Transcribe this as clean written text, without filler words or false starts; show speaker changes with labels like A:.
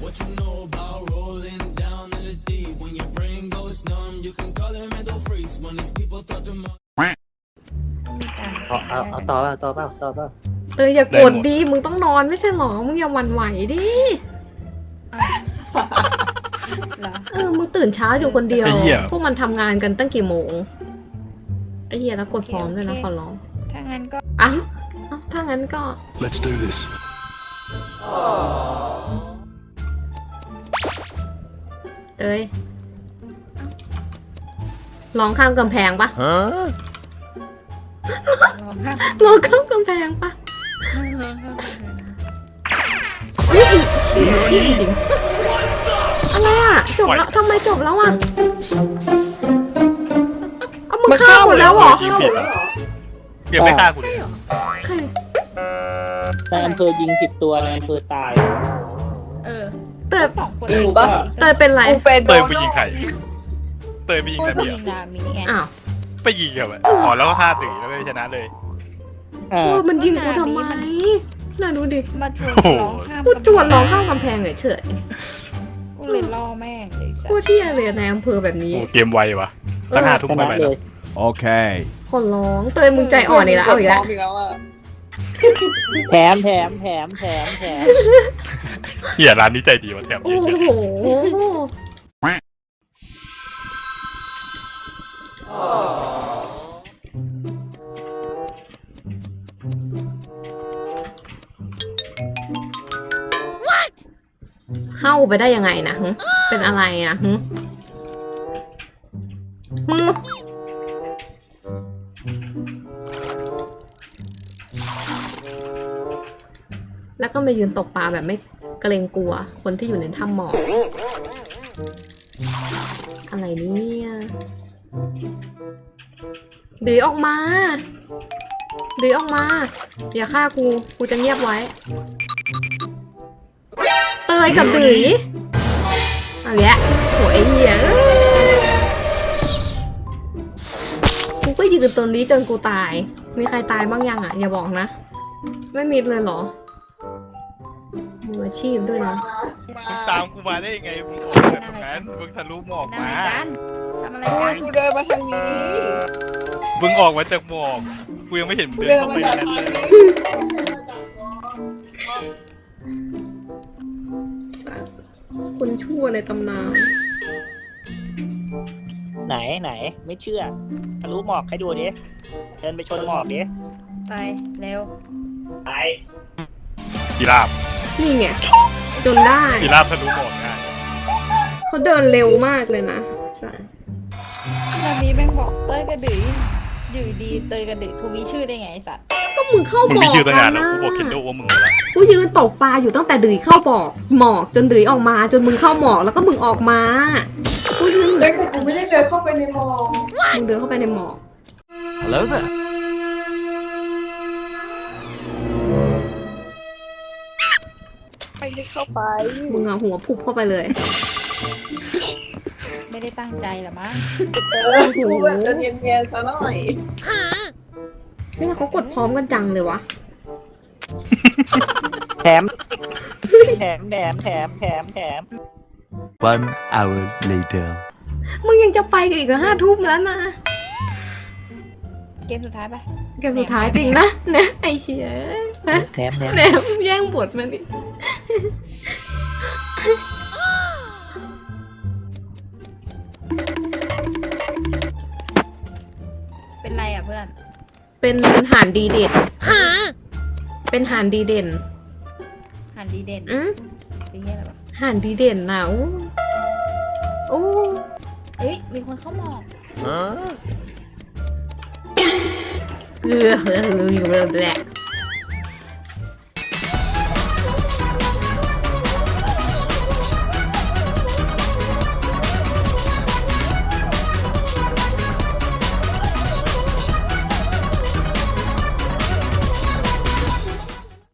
A: What you know about rolling down in the deep? When your brain goes numb, you can call it mental freeze. When these people talk to my
B: เอาต่อเปล่า
C: เตยอย่ากดดิมึงต้องนอนไม่ใช่หรอมึงอย่าหวั่นไหวดิมึงตื่นเช้าอยู่คนเดียวพวกมันทำงานกันตั้งกี่โมงไอ้เหี้ยแล้วกดพร้อมด้วยนะขอร้องถ้างั้นก็ถ้างั้นก็
D: Let's do this
C: เตยลองข้ามกำแพงปะลองข้ามกำแพงปะจริงอะไรอ่ะจบแล้วทำไมจบแล้วอ่ะเอามึงฆ่าหมดแล้วเหรอ
E: เดี๋ยวไม่ฆ่ากูเลย
C: ใคร
B: แต่อำเภอยิงผิดตัวในอำเภอตาย
C: แต่
F: สองคน
C: เตยเป็นไร
E: เตยไปยิงใครเตยไปยิงใครเบียร์
C: อ้าว
E: ไปยิงเหรออ๋อแล้วก็ฆ่าตื่นแล้วก็ชนะเลย
C: มันยิงกูทำไมน่าดูดิ
F: มาชวนร้องข้าม
C: กูจวนร้องข้ามกำแพงเฉย
F: กูเลยล่อแม่งเลยสั
C: กูเที่ยเลยในอำเภอแบบนี้
E: โอ้เกมไววะตั้ง5 ทุ่มไปแล้ว
D: โอเค
C: คนร้องเตยมึงใจอ่อนอีกแล้วเอาอีกแล้ว
B: แถม
E: เหี้ยร้านนี้ใจดีวะแถม
C: โอ้
E: เยอะ
C: โหเข้าไปได้ยังไงนะเป็นอะไรนะแล้วก็มายืนตกปลาแบบไม่เกรงกลัวคนที่อยู่ในถ้ำหมอกอะไรเนี่ยดื้อออกมาอย่าฆ่ากูจะเงียบไว้เตยกับดื้ออะไรเงี้ยโหไอ้เหี้ยกูก็ยืนตรงนี้จนกูตายมีใครตายบ้างยังอ่ะอย่าบอกนะไม่มีเลยเหรอมืออาชีพด้วยนะ
E: มึงตามกูมาได้ยังไงมึงออกจากตรงนั้นมึงทะลุหมอกมา
F: ทำอะไรกัน
G: กูเดินมาทางนี้
E: มึงออกมาจากหมอกกูยังไม่เห็นมึงเดินเข้าไปในนั้นเลย
C: คนชั่วในตำนาน
B: ไหนไม่เชื่อทะลุหมอกให้ดูดิเดินไปชนหมอกดิ
F: ไปเร็ว
B: ไป
E: กีราบ
C: นี่ไงจนได้
E: กีราบทะลุหมอกง่าย
C: เขาเดินเร็วมากเลยนะใช่
F: แบบนี้แม่งบอกเตยกระดืออยู่ดีเตยกระดือกูมีชื่อได้ไงไอ้สัตว์
C: ก็มึงเข้าหมอก
E: มึงมีชื่อตั้งนานแล้วกูบอกเคนโดว่ามึงแล้ว
C: กูยืนตกปลาอยู่ตั้งแต่ดื้อเข้าหมอกจนดื้อออกมาจนมึงเข้าหมอกแล้วก็มึงออกมากูยืน
G: แต่กูไม่ได้เดินเข้าไปในหมอก
C: มึงเดินเข้าไปในหมอก
D: Hello there
G: ไม่ได้เข้าไป
C: มึงเอาหัวพุบเข้าไปเลย
F: ไม่ได้ตั้งใจหรอมั้ง
G: กูแบบจะเนียนๆซะหน่อย
C: นี่เขากดพร้อมกันจังเลยวะ
B: แถม
D: One hour later
C: มึงยังจะไปกันอีกเหรอ5 ทุ่มแล้วนะ
F: เกมสุดท้ายปะ
C: เกมสุดท้ายจริงนะเนี่ยไอเชียนะ
B: แถม
C: แย่งบทมาดิ
F: เป็นไรอ่ะเพื่อน
C: เป็นหานดีเด่นเป็นหานดีเด่น
F: หันดีเด่นเป็นเงี้ยอะไรปะ
C: หานดีเด่นนะโอ้
F: เฮ้ยมีคนเข้าหมอก
C: แหละ